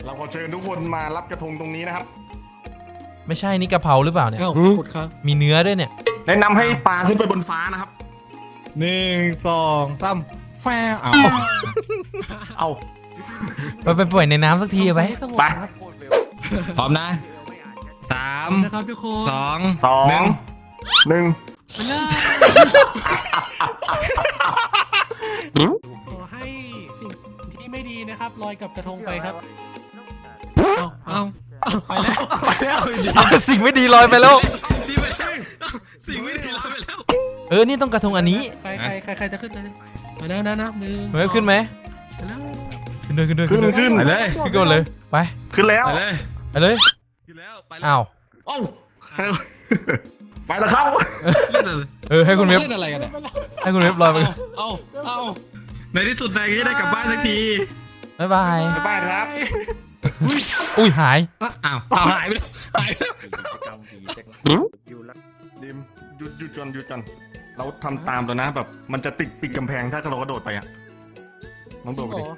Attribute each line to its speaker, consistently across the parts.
Speaker 1: เราขอเชิญทุกคนมารับกระทงตรงนี้นะครับ
Speaker 2: ไม่ใช่นี่กะเพราหรือเปล่าเนี่ย
Speaker 3: กดครับ
Speaker 2: มีเนื้อด้วยเนี่ย
Speaker 1: แนะนำให้ปลาขึ้นไปบนฟ้านะครับ
Speaker 4: 1 2 3แฟร์เอา
Speaker 2: ไปปล่อยในน้ำสักทีไป
Speaker 1: ไป
Speaker 4: พร้อมนะ3
Speaker 3: นะครับทุกคน
Speaker 4: 2
Speaker 1: 1
Speaker 3: ขอให้สิ่งที่ไม่ดีนะครับลอยกับกระทงไปครับเอาไปแล้ว
Speaker 2: สิ่งไม่ดีลอยไปแล้ว
Speaker 4: สิ่งไม่ดีลอยไปแล้ว
Speaker 2: นี่ต้องกระทงอันนี้
Speaker 3: ใครจะขึ้นเลยมาแล้วนะมือ
Speaker 2: เฮ้ยขึ้นไหมขึ้นเลย
Speaker 4: ไปเลย
Speaker 2: ขึ้นก่อนเลยไป
Speaker 1: ขึ้นแล้ว
Speaker 2: ไปเลย
Speaker 4: ขึ้นแล้วไป
Speaker 2: อ้าว
Speaker 1: ไปแล้วครับ
Speaker 2: ให้คุณเว็บ
Speaker 4: เล่นอะไรกันเนี่ย
Speaker 2: ให้คุณเว็บลอยไป
Speaker 4: เอาในที่สุดนายก็ได้กลับบ้านสักที
Speaker 2: บ๊ายบาย
Speaker 1: ครับ
Speaker 2: อุ้ยหาย
Speaker 4: อ้าวหายไปแล้ว
Speaker 1: ดิมหยุดก่อนเราทำตามตัวนะแบบมันจะติดกำแพงถ้าเรากระโดดไปอ่ะน้องโดดไปดิ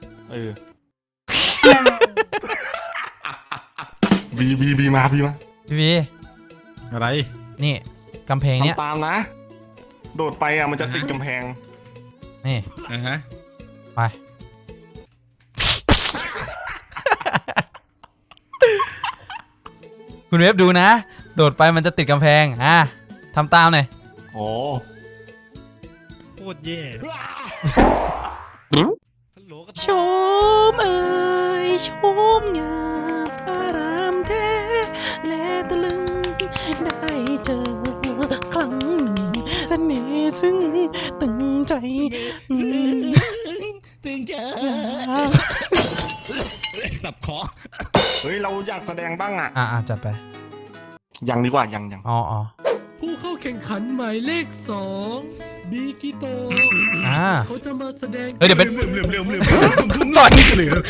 Speaker 1: บีมา
Speaker 2: พี่
Speaker 4: อะไร
Speaker 2: นี่กำแพงเนี้ย
Speaker 1: ตามนะโดดไปอ่ะมันจะติดกำแพง
Speaker 2: นี่ไปคุณเว็บดูนะโดดไปมันจะติดกำแพงทำตามหน่อย
Speaker 1: โอ้
Speaker 4: โคตรแย่
Speaker 2: ชมเอ่ยชมงามอารามแท้และตะลึงได้เจอครั้งหนึ่งเสน่ห์ซึ่งตึงใจ
Speaker 4: สับคอ
Speaker 1: เฮ้ยเราอยากแสดงบ้าง
Speaker 2: จัดไป
Speaker 1: ยังดีกว่ายัง
Speaker 3: ผู้เข้าแข่งขันหมายเลข2บีกิโตเขาจะมาแสดง
Speaker 2: เดี๋ยวเป็น
Speaker 4: ต่อยเหลือ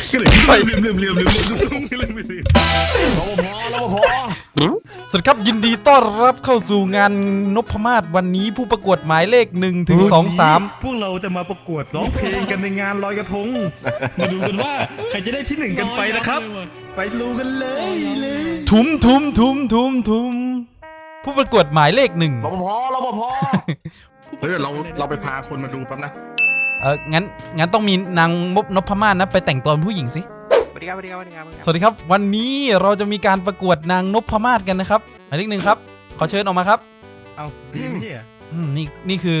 Speaker 2: สวัสดีครับยินดีต้อนรับเข้าสู่งานนพมาศวันนี้ผู้ประกวดหมายเลข1 ถึง 2 3
Speaker 4: พวกเราจะมาประกวดร้องเพลงกันในงานลอยกระทงมาดูกันว่าใครจะได้ที่1กันไปนะครับไปดูกันเลย
Speaker 2: ทุมผู้ประกวดหมายเลข1
Speaker 1: รปภเฮ้ยเราไปพาคนมาดูแป๊บนะ
Speaker 2: งั้นต้องมีนางนพมาศนะไปแต่งตัวเป็นผู้หญิงสิ
Speaker 3: สวัสดี
Speaker 2: ครับวันนี้เราจะมีการประกวดนางนพมาศกันนะครับหมายเลข1ครับขอเชิญออกมาครับ
Speaker 4: เอาดีไหมเนี่ย
Speaker 2: นี่คื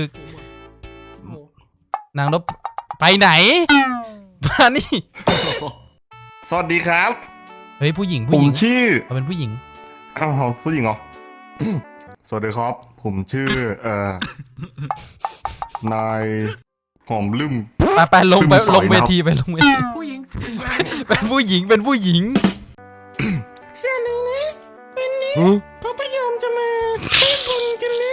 Speaker 2: อนางนพไปไหนมานี่
Speaker 1: สวัสดีครับ
Speaker 2: เฮ้ยผู้หญิง
Speaker 1: ผมชื่อ
Speaker 2: เป็นผู้หญิง
Speaker 1: ผู้หญิงเหรอสวัสดีครับผมชื่อนายหอมลืม
Speaker 2: ไปลงเวทีไปลงเวที
Speaker 3: ผู้หญิง
Speaker 2: เป็นผู้หญิง
Speaker 3: เสื้อหนึ่งนะวันนี้พระพยอมจะมาแก้บนกันเลย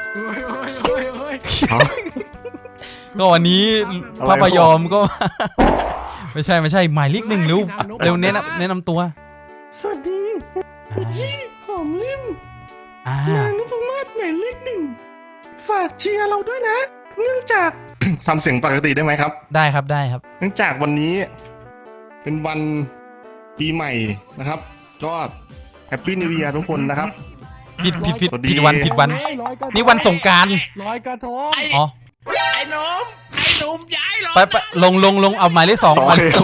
Speaker 2: ก็วันนี้พระพยอมก็ไม่ใช่หมายเลข1เร็วแนะนำตัว
Speaker 3: สวัสดีชื่อหอมลืมนางนพมาศหมายเลข1ฝากเชียร์เราด้วยนะเนื่องจาก
Speaker 1: ทำเสียงปกติได้ไหมครับ
Speaker 2: ได้ครับ
Speaker 1: เนื่องจากวันนี้เป็นวันปีใหม่นะครับก็แฮปปี้นิวเยียร์ทุกคนนะครับ
Speaker 2: ผิดวันนี่วันสงกรานต์
Speaker 3: ลอยกระทง
Speaker 2: ไอ้
Speaker 3: หนุ่มย้ายลอย
Speaker 2: ไปลงเอาหมายเลข2หมายเลข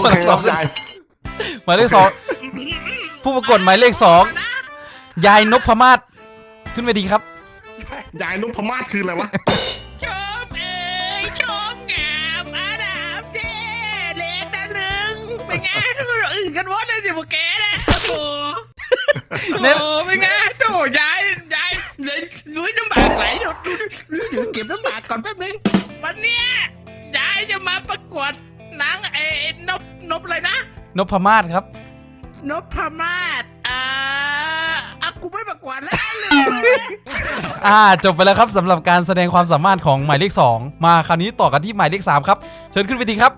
Speaker 2: 2ผู้ประกวดหมายเลข2ยายนพมาศขึ้นไปดีครับ
Speaker 1: ยายนพมาศคืออะไรวะ
Speaker 3: ชมชมงามอาดามเด้เลตะลึงเป็นไงอื่นกันวะเลยสิพวกแกนะโอ้เป็นไงโถ่ยายเลยลุยน้ำบากไหลดูเก็บน้ำบากก่อนแป๊บนึงวันเนี้ยยายจะมาประกวดนางนพอะไรนะ
Speaker 2: นพมาศครับ
Speaker 3: นพมาศกูไม่ประกวดแล้ว
Speaker 2: จบไปแล้วครับสำหรับการแสดงความสามารถของหมายเลข2มาคราวนี้ต่อกันที่หมายเลข3ครับเชิญขึ้นเวทีครับ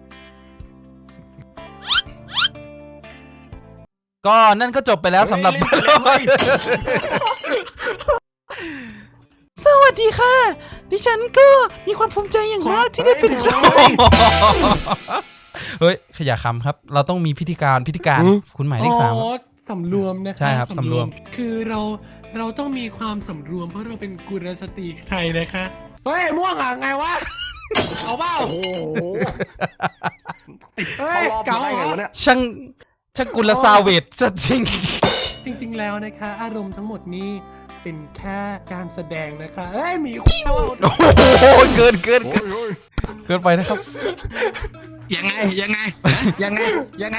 Speaker 2: ก็นั่นก็จบไปแล้วสำหรับสวัสดีค่ะดิฉันก็มีความภูมิใจอย่างมากที่ได้เป็นเฮ้ยขยะคำครับ เราต้องมีพิธีการคุณหมายเลข3
Speaker 3: อ๋อสำรวมนะคะ
Speaker 2: ใช่ครับสำรวม
Speaker 3: คือเราต้องมีความสำรวมเพราะเราเป็นกุลสตรีไทยนะคะเฮ้ยม่วงอ่ะไงวะเอาเปล่า
Speaker 1: โอ้โห
Speaker 3: เฮ้ย
Speaker 1: เข้ารอบ
Speaker 3: เก๋า
Speaker 1: ได้
Speaker 3: เหร
Speaker 1: ไง
Speaker 3: อ
Speaker 1: วะเนี่ย
Speaker 2: ช่างกุลซาเวทจริง
Speaker 3: จริงๆแล้วนะคะ อารมณ์ทั้งหมดนี้เป็นแค่การแสดงนะคะเฮ้ยหมีคุยแล้ว
Speaker 2: โอ้โหเกิน
Speaker 1: โอ้ยโอ้ย
Speaker 2: เกินไปนะครับ
Speaker 5: ยังไงเดี๋ยวยังไง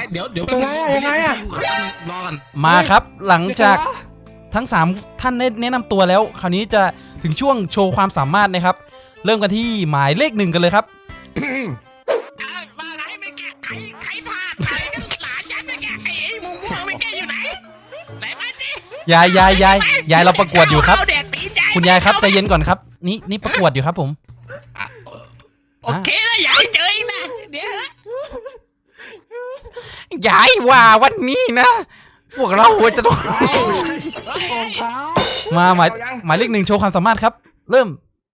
Speaker 5: รอกัน
Speaker 2: มาครับหลังจากทั้ง3ท่านได้แนะนำตัวแล้ว คราวนี้จะถึงช่วงโชว์ความสามารถนะครับ เริ่มกันที่หมายเลข 1กันเลยครับ
Speaker 3: มาไหนไม่แกะใครพลาดใครก็หลานฉันไม่แกะไอ้ม่วงไม่แกะอยู่ไหนไหนมาสิ
Speaker 2: ยายเราประกวดอยู่ครับ
Speaker 3: เาเด็กตีนยาย
Speaker 2: คุณยายครับใจเย็นก่อนครับ นี่ประกวดอยู่ครับผม
Speaker 3: โอเคนะยายเจออีกนะเดี๋ยวย
Speaker 2: ายว่าวันนี้นะ พวกเราจะต้อง มาหมายเลข 1โชว์ความสามารถครับ เริ่ม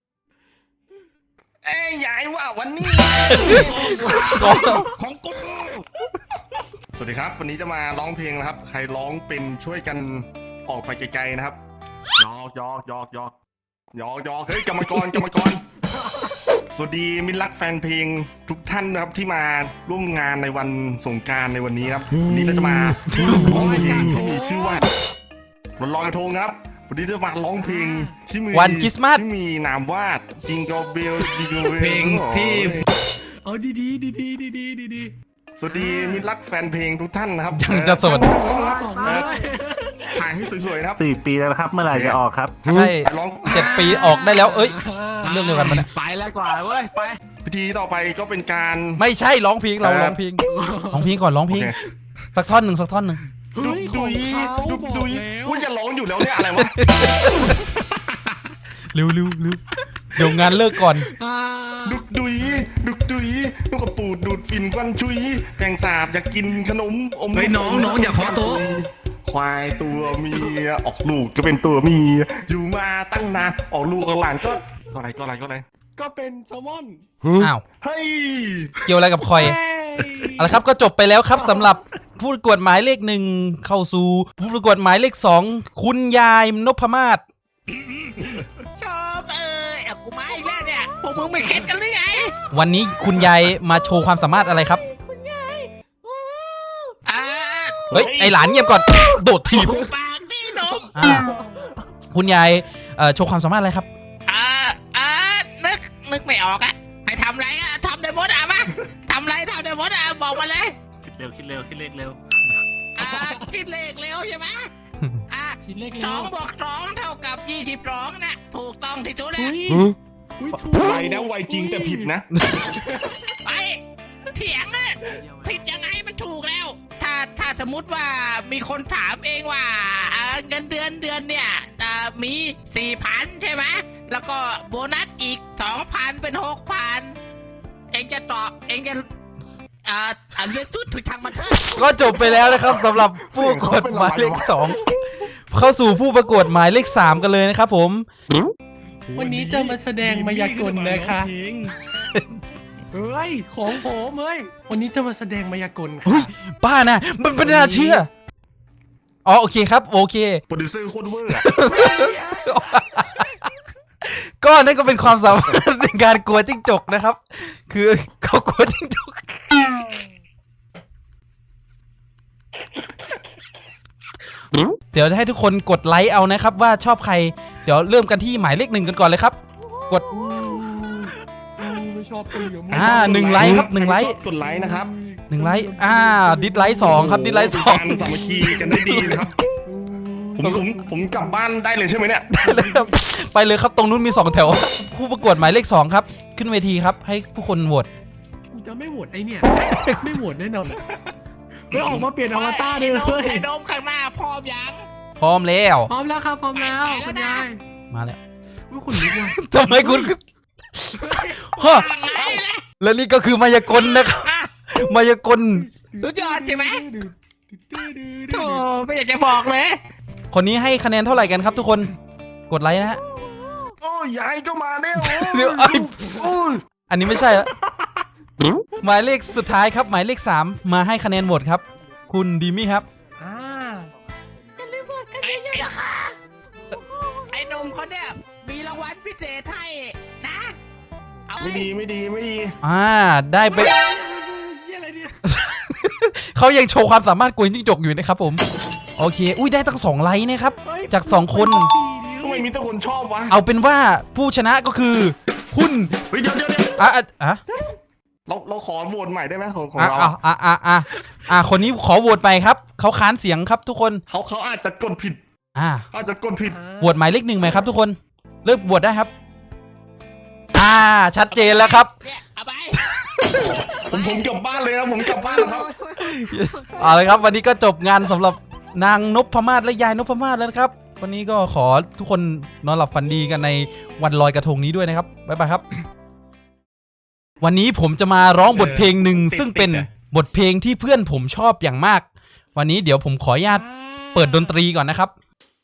Speaker 1: เอ้ยยายว่าวันนี้
Speaker 5: ของกู
Speaker 1: สวัสดีครับ วันนี้จะมาร้องเพลงนะครับ ใครร้องเป็นช่วยกันออกไปไกลๆนะครับยอกเฮ้ยกรรมกรสวัสดีมิตรรักแฟนเพลงทุกท่านนะครับที่มาร่วมงานในวันสงกรานต์ในวันนี้ครับวันนี้เราจะมาร้องเพลงที่มีชื่อว่าวันลอยกระทงครับวันนี้จะมาร้องเพลงที่มี
Speaker 2: วันคริสต์มาส
Speaker 1: ที่มีนามว่าจิงเกิลเบล
Speaker 5: เพลงที่
Speaker 3: เอาดี
Speaker 1: สวัสดีมิตรรักแฟนเพลงทุกท่านนะครับ
Speaker 2: ยังจะสด
Speaker 3: สอง
Speaker 1: ถ่ายให้สวยๆนะครับ
Speaker 6: 4 ปีแล้วนะครับ เมื่อไหร่จะออกครับ
Speaker 2: ใช่
Speaker 1: ไปร้อง
Speaker 2: 7 ปีออกได้แล้ว เอ้ย เรื่องเดียวกันปะเนี่ย
Speaker 5: ไปแล้วกว่าเว้ยไป
Speaker 1: พิธีต่อไปก็เป็นการ
Speaker 2: ไม่ใช่ร้องเพลงเราร้องเพลงก่อนร้องเพลง
Speaker 1: โอเค
Speaker 2: สักท่อนหนึ่ง
Speaker 1: ดุยดุยว่าจะร้องอยู่แล้วเนี่ยอะไรวะ
Speaker 2: เร็วเดี๋ยวงานเลิกก่อน
Speaker 1: ดุยลูกกระปูดดูดฝิ่นควันชุยแกงสาบอยากกินขนมอม
Speaker 5: เฮ้ยน้องอย่าขอโต๊ะ
Speaker 1: ควายตัวเมียออกลูกจะเป็นตัวเมียอยู่มาตั้งนานออกลูกกับหลานก็อะไร
Speaker 3: ก็เป็นแซลมอน
Speaker 2: อ้าว
Speaker 1: เฮ้ย
Speaker 2: เกี่ยวอะไรกับคอยเอาละครับก็จบไปแล้วครับสำหรับผู้ประกวดหมายเลข 1เข้าสู่ผู้ประกวดหมายเลข 2คุณยายนพมาศ
Speaker 3: ชอบเอากูมาอีกแล้วเนี่ยพวกมึงไม่เข็ดกันหรือไง
Speaker 2: วันนี้คุณยายมาโชว์ความสามารถอะไรครับ
Speaker 3: อ่า
Speaker 2: เฮ้ยไอหลานเงียบก่อนโดดถีบ
Speaker 3: ปากนี่นม
Speaker 2: คุณยายโชว์ความสามารถอะไรครับ
Speaker 3: นึกไม่ออกอะให้ทำไรอะทำได้หมดอะมาทำไรทำได้หมดอะบอกมาเลย
Speaker 6: คิดเร็วคิดเลขเร็ว
Speaker 3: คิดเลขเร็วใช่ไหมคิดเลขเร็ว2 บวก 2 เท่ากับ 22นะถูกต้องที่สุดแล้ว
Speaker 1: ไวนะไวจริงแต่ผิดนะ
Speaker 3: ไปเถียงอะผิดยังไงมันถูกแล้ว ถ้าสมมติว่ามีคนถามเองว่าเงินเดือนเนี่ยมี 4,000 ใช่ไหมแล้วก็โบนัสอีก 2,000 เป็น 6,000 เองจะตอบเองจะเรียกสุดถุยทางมาเถอะ
Speaker 2: ก็จบไปแล้วนะครับสำหรับผู้ประกวดหมายเลข 2เข้าสู่ผู้ประกวดหมายเลข 3กันเลยนะครับผม
Speaker 3: วันนี้จะมาแสดงมายากลนะคะเฮ้ยของผมเฮ้ยวันนี้จะมาแสดงมายากลค่ะ
Speaker 2: ป้านะมันไม่น่าเชื่ออ๋อโอเคครับโอเค
Speaker 1: โปรดิวเซอร์โคตรเวอร์อะ
Speaker 2: ก็นั่นก็เป็นความสามารถในการกลัวจิ้งจกนะครับ คือเขากลัวจิ้งจกเดี๋ยวให้ทุกคนกดไลค์เอานะครับว่าชอบใครเดี๋ยวเริ่มกันที่หมายเลข 1กันก่อนเลยครับ กด
Speaker 3: ไม่ชอบตัวเหลือง
Speaker 2: 1 ไลค์ครับ1 ไลค์
Speaker 1: กดไลค์นะครับ
Speaker 2: 1 ไลค์ดิสไลค์2ครับดิสไลค์
Speaker 1: การสามัคคีกันได้ดีนะครับ ผมกลับบ้านได้เลยใช่ไหมเนี่ย
Speaker 2: 2ไปเลยครับตรงนู้นมี2แถวผู้ประกวดหมายเลข 2ครับขึ้นเวทีครับให้ผู้คนโหวต
Speaker 3: กูจะไม่โหวตไอเนี่ย ไม่โหวตแน่นอนไม่ออกมาเปลี่ยนอวตารเลยไอ้นมข้างหน้าพร้อมยัง
Speaker 2: พร้อมแล้ว
Speaker 3: พร้อมแล้วครับพร้อมแล้วคุณยาย
Speaker 2: มาแล้ว
Speaker 3: คุณลุกว่ะ
Speaker 2: ทำไมคุณฮะและนี่ก็คือมายากลนะครับมายากล
Speaker 3: สุดยอดใช่ไหมโธ่ไม่อยากจะบอกเลย
Speaker 2: คนนี้ให้คะแนนเท่าไหร่กันครับทุกคนกดไลค์นะฮะ
Speaker 1: โอ้ยยายก็มาแล้ว
Speaker 2: เดี๋ยวอันนี้ไม่ใช่แล้วหมายเลขสุดท้ายครับ หมายเลข 3 มาให้คะแนนโหวตครับ คุณดีมี่ครับ
Speaker 3: ไอ้หนุ่มคนเนี่ยมีรางวัลพิเศษให้นะเอา
Speaker 1: ไม่ดีไม่ดีไม่ดี
Speaker 2: ได้ไป
Speaker 3: อะไรเนี่ย
Speaker 2: เขายังโชว์ความสามารถกวนจิ้งจกอยู่นะครับผม โอเค อุ้ยได้ตั้ง2 ไลค์นะครับ จาก 2 คน
Speaker 1: ทำไมมีแต่คนชอบวะ
Speaker 2: เอาเป็นว่าผู้ชนะก็คือคุณ
Speaker 1: เฮ้ยเดี๋ยวเราขอโหวตใหม่ได้ไหมของเรา
Speaker 2: คนนี้ขอโหวตไปครับ เขาค้านเสียงครับทุกคน
Speaker 1: เขาอาจจะกดผิดอาจจะกดผิด
Speaker 2: โหวตหมายเลข 1ไหมครับทุกคน เริ่มโหวตได้ครับ ชัดเจนแล้วครับ
Speaker 3: เนี่ยเอาไป
Speaker 1: ผมกลับบ้านเลยครับผมกลับบ้านแล้วครับ
Speaker 2: เอาเลยครับวันนี้ก็จบงานสำหรับนางนพมาศและยายนพมาศแล้วนะครับ วันนี้ก็ขอทุกคนนอนหลับฝันดีกันในวันลอยกระทงนี้ด้วยนะครับบ๊ายบายครับ วันนี้ผมจะมาร้องบทเพลงหนึ่งซึ่งเป็นบทเพลงที่เพื่อนผมชอบอย่างมาก วันนี้เดี๋ยวผมขออนุญาตเปิดดนตรีก่อนนะครับ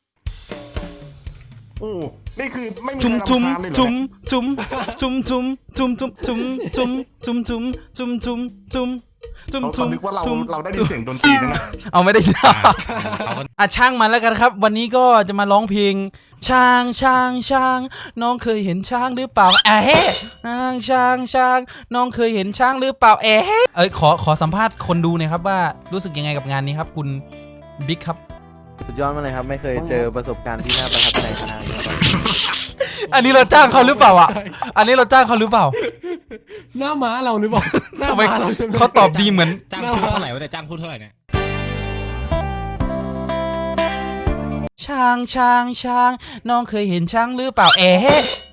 Speaker 1: โอ้นี่คือไม่มี
Speaker 2: จุม
Speaker 1: ใคร
Speaker 2: จุม
Speaker 1: รำคาญเลยเหรอ
Speaker 2: จุม
Speaker 1: เนี่ย
Speaker 2: จุมจุมจุมจุมจุมจุมจุมจุมจุมจุมจุมจุมจุม
Speaker 1: เขา
Speaker 2: จุม
Speaker 1: นึกว่าเรา
Speaker 2: จุม
Speaker 1: ได้ยินเสียงดนตรีนะ
Speaker 2: เอาไม่ได้ ช่างมันแล้วกันครับ วันนี้ก็จะมาร้องเพลงช้างช้างช้างน้องเคยเห็นช้างหรือเปล่าช้างช้างน้องเคยเห็นช้างหรือเปล่าขอสัมภาษณ์คนดูหน่อยครับว่ารู้สึกยังไงกับงานนี้ครับคุณบิ๊กครับ
Speaker 7: สุดยอดมากเลยครับ ไม่เคยเจอประสบการณ์ที่น่าประทับใจขนาดนี้มาก่อน
Speaker 2: อันนี้เราจ้างเขาหรือเปล่าอ่ะอันนี้เราจ้างเขาหรือเปล่า
Speaker 8: หน้าม้าเราหรือเปล่าหน้า
Speaker 2: ทำไม
Speaker 8: ม้าเราใช่ไหม
Speaker 2: เขาตอบดีเหมือน
Speaker 9: จ้างพูดเท่าไหร่วะเนี่ยจ้างพูดเท่าไหร่เนี่ย
Speaker 2: ช้างช้างช้างน้องเคยเห็นช้างหรือเปล่า